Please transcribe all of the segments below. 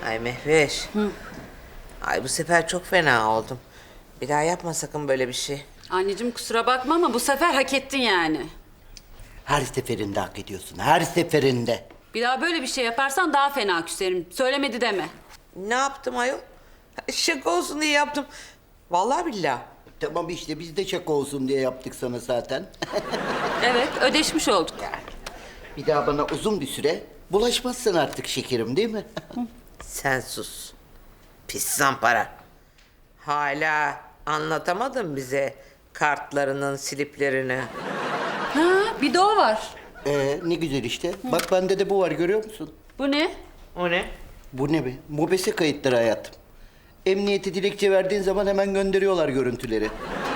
Ay Mehveş. Ay bu sefer çok fena oldum. Bir daha yapma sakın böyle bir şey. Anneciğim kusura bakma ama bu sefer hak ettin yani. Her seferinde hak ediyorsun. Her seferinde. Bir daha böyle bir şey yaparsan daha fena küserim. Söylemedi deme. Ne yaptım ayol? Şaka olsun diye yaptım. Vallahi billahi. Tamam işte biz de şaka olsun diye yaptık sana zaten. Evet, ödeşmiş olduk. Bir daha bana uzun bir süre bulaşmazsın artık şekerim değil mi? Sen sus. Pis zampara. Hala anlatamadın bize kartlarının sliplerini. Ha, bir de o var. Ne güzel işte. Bak bende de bu var görüyor musun? Bu ne? O ne? Bu ne be? Mobese kayıtları hayatım. Emniyete dilekçe verdiğin zaman hemen gönderiyorlar görüntüleri.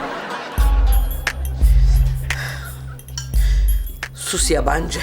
Sus yabancı.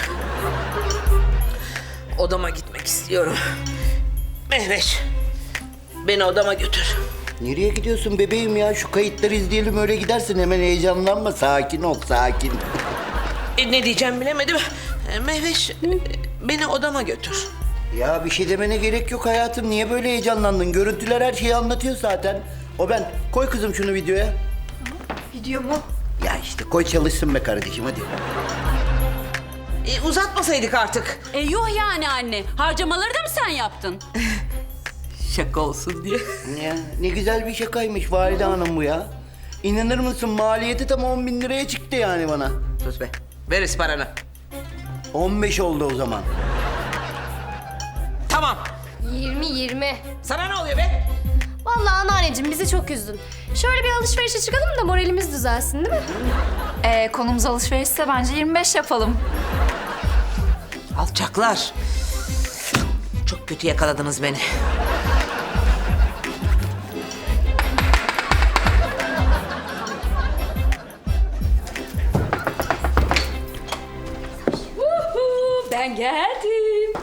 Odama gitmek istiyorum. Mehveş, beni odama götür. Nereye gidiyorsun bebeğim ya? Şu kayıtları izleyelim öyle gidersin. Hemen heyecanlanma. Sakin ol, sakin. Ne diyeceğim bilemedim. Mehveş, beni odama götür. Ya bir şey demene gerek yok hayatım. Niye böyle heyecanlandın? Görüntüler her şeyi anlatıyor zaten. O ben. Koy kızım şunu videoya. Video mu? Ya işte koy çalışsın be kardeşim hadi. Uzatmasaydık artık. Yuh yani anne. Harcamaları da mı sen yaptın? Şaka olsun diye. Ya ne güzel bir şakaymış Valide Hanım bu ya. İnanır mısın maliyeti tam 10 bin liraya çıktı yani bana. Sus be. Ver paranı. 15 oldu o zaman. Tamam. 20. Sana ne oluyor be? Vallahi anneanneciğim bizi çok üzdün. Şöyle bir alışverişe çıkalım da moralimiz düzelsin değil mi? Konumuz alışverişse bence 25 yapalım. Alçaklar. Çok kötü yakaladınız beni. Ben geldim.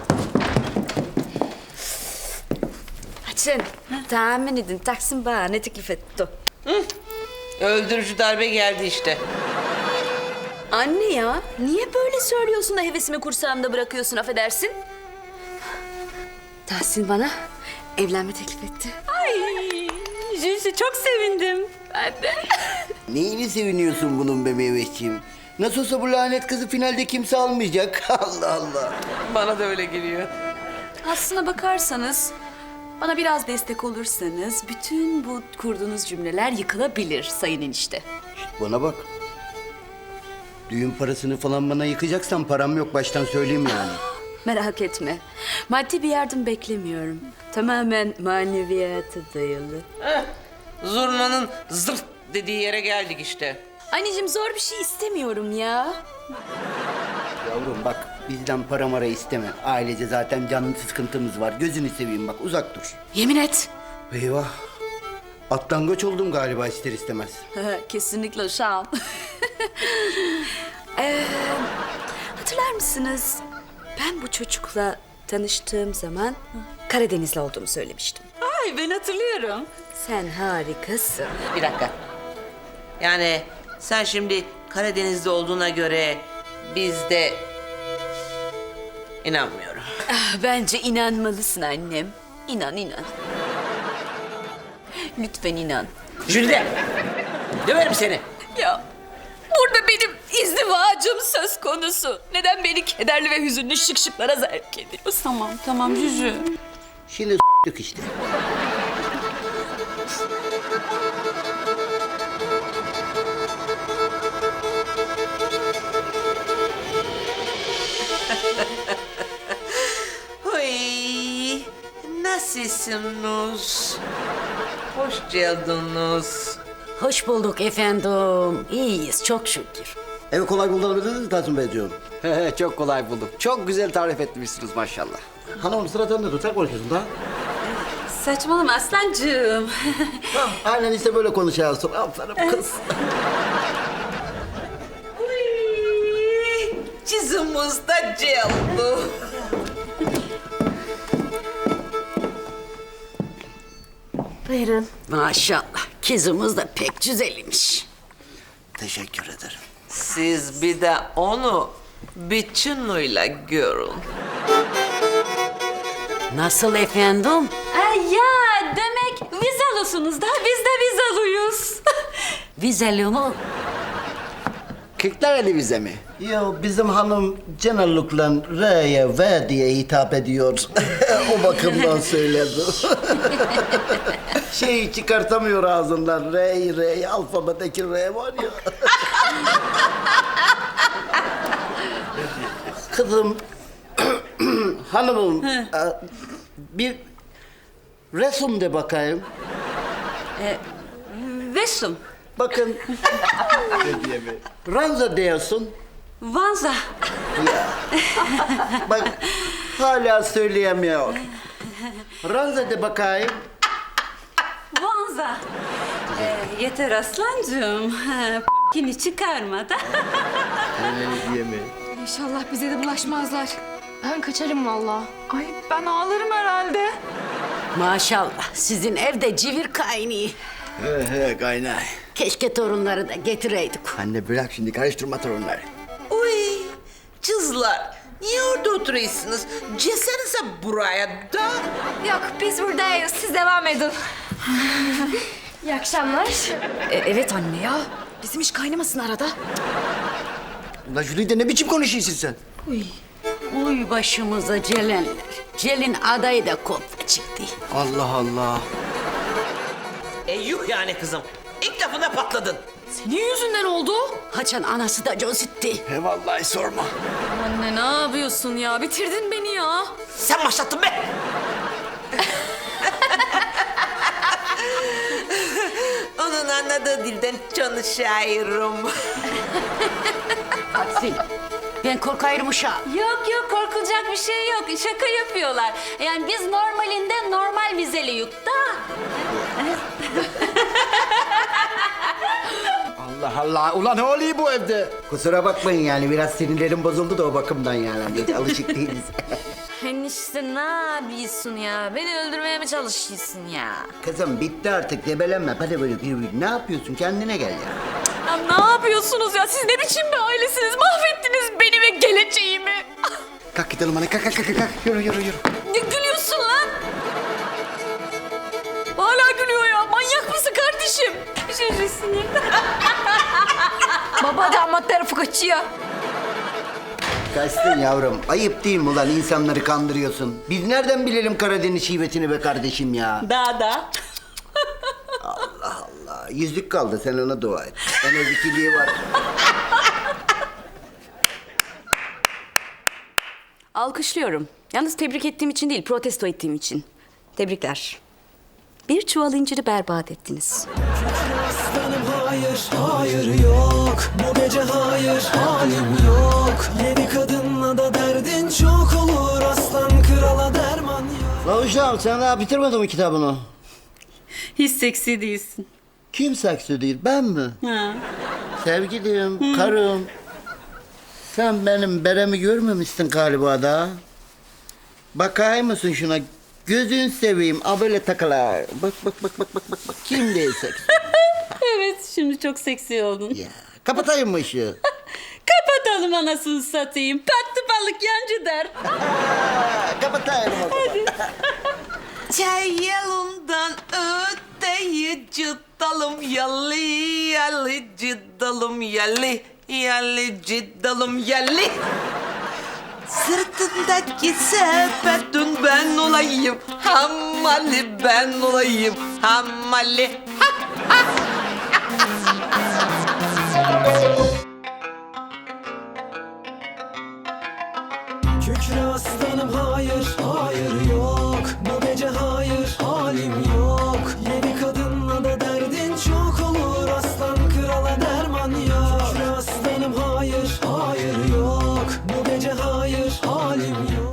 Açın. Tahmin edin Taksim bana ne teklif etti? Öldürücü darbe geldi işte. Anne ya niye böyle söylüyorsun da hevesimi kursağımda bırakıyorsun affedersin? Tahsin bana evlenme teklif etti. Ay, Jüjü çok sevindim. Ben de. Neyini seviniyorsun bunun be meyveşciğim? Nasıl olsa bu lanet kızı finalde kimse almayacak. Allah Allah. Bana da öyle geliyor. Aslına bakarsanız bana biraz destek olursanız bütün bu kurduğunuz cümleler yıkılabilir sayın enişte. Bana bak. Düğün parasını falan bana yıkacaksan param yok baştan söyleyeyim yani. Merak etme. Maddi bir yardım beklemiyorum. Tamamen maneviyata dayalı. Zurnanın zırt dediği yere geldik işte. Anneciğim zor bir şey istemiyorum ya. Yavrum bak bizden para mara isteme. Ailece zaten canlı sıkıntımız var. Gözünü seveyim bak uzak dur. Yemin et. Eyvah. Atlangaç oldum galiba ister istemez. Kesinlikle şan. Hatırlar mısınız? Ben bu çocukla tanıştığım zaman Karadenizli olduğumu söylemiştim. Ay ben hatırlıyorum. Sen harikasın. Bir dakika. Yani sen şimdi Karadeniz'de olduğuna göre biz de... İnanmıyorum. Bence inanmalısın annem. İnan. Lütfen inan. Jülide! Döverim seni. Ya burada benim izdivacım söz konusu. Neden beni kederli ve hüzünlü şıkşıklara zevk ediyorsun? Tamam Jüjü. Şimdi s**tık işte. Huy, nasılsınız? Hoş geldiniz. Hoş bulduk efendim. İyiyiz çok şükür. Evi kolay bulabilirsiniz mi Tahsin Beyciğim? Çok kolay buldum. Çok güzel tarif etmişsiniz maşallah. Hanım sıra sende dur. Sen konuşuyorsun da. Saçmalama aslancığım. Tamam. Aynen işte böyle konuşuyorsun. Aferin kız. Huy, çizimiz de geldi. Buyurun. Maşallah. Kızımız da pek güzelmiş. Teşekkür ederim. Siz bir de onu bütünüyle görün. Nasıl efendim? Ya demek vizalusunuz da biz de vizaluyuz. Vizeli mi? Kırklareli vize mi? Ya bizim hanım genellikle R'ye V diye hitap ediyor. O bakımdan söyledi. Şeyi çıkartamıyor ağzından. R'yi alfabedeki R var ya. Kızım, hanımım, bir resim de bakayım. Vesum, Bakın. Ranza diyorsun. Vanza, Bak hala söyleyemiyor. Ranza de bakayım. Vanza. Yeter aslancığım. Kini çıkarma da. İnşallah bize de bulaşmazlar. Ben kaçarım vallahi. Ay ben ağlarım herhalde. Maşallah sizin evde civir kaynıyor. He kaynay. Keşke torunları da getireydik. Anne bırak şimdi karıştırma torunları. Uy kızlar niye orada oturuyorsunuz? Cesenize buraya da. Yok biz buradayız. Siz devam edin. İyi akşamlar. Evet anne ya. Bizim iş kaynamasın arada. Ulan Jülide ne biçim konuşuyorsun sen? Uy başımıza Celenler. Celin adayı da koptu çıktı. Allah Allah. Yuh yani kızım. İlk lafına patladın. Senin yüzünden oldu. Haçan anası da cozitti. He vallahi sorma. Anne ne yapıyorsun ya? Bitirdin beni ya. Sen başlattın be. Onun anladığı dilden çalışıyorum. Aksi. Ben korkayım uşağım. Yok korkulacak bir şey yok. Şaka yapıyorlar. Yani biz normalinde normal vizeliyük da. Allah Allah. Ulan ne oluyor bu evde? Kusura bakmayın yani biraz sinirlerim bozuldu da o bakımdan yani. Biz alışık değiliz. Enişte ne yapıyorsun ya? Beni öldürmeye mi çalışıyorsun ya? Kızım bitti artık debelenme. Hadi böyle ne yapıyorsun kendine gel ya. Ya ne yapıyorsunuz ya? Siz ne biçim bir ailesiniz? Mahvettiniz beni ve geleceğimi. Kalk gidelim hadi kalk. Yürü. Ne gülüyorsun lan? Hala gülüyor ya. Manyak mısın kardeşim? Şişesin ya. Baba damat tarafı kaçıyor. Kaçtın yavrum. Ayıp değil mi ulan insanları kandırıyorsun. Biz nereden bilelim Karadeniz şivetini be kardeşim ya. Da. Allah. Yüzlük kaldı sen ona dua et. En az ikiliği var. Alkışlıyorum. Yalnız tebrik ettiğim için değil, protesto ettiğim için. Tebrikler. Bir çuval inciri berbat ettiniz. Aslanım hayır yok. Bu gece hayır, halim yok. Yedi kadınla da derdin çok olur. Aslan krala derman yok. La uşağım sen daha bitirmedin mi kitabını? Hiç seksi değilsin. Kim saksı değil ben mi? Ha. Sevgilim, karım. Sen benim beremi görmemişsin galiba da. Bakar mısın şuna? Gözün seveyim, abele takılar. Bak. Kim değil seksi? Evet şimdi çok seksi oldun. Ya, kapatayım mı ışığı? Kapatalım anasını satayım. Battı balık yancı der. Kapatayım o zaman. Çay yolundan öteyi cıddalım yalı cıddalım yalı cıddalım yalı. Sırtındaki sepetün ben olayım, hammali ben olayım, hammali. Ha ha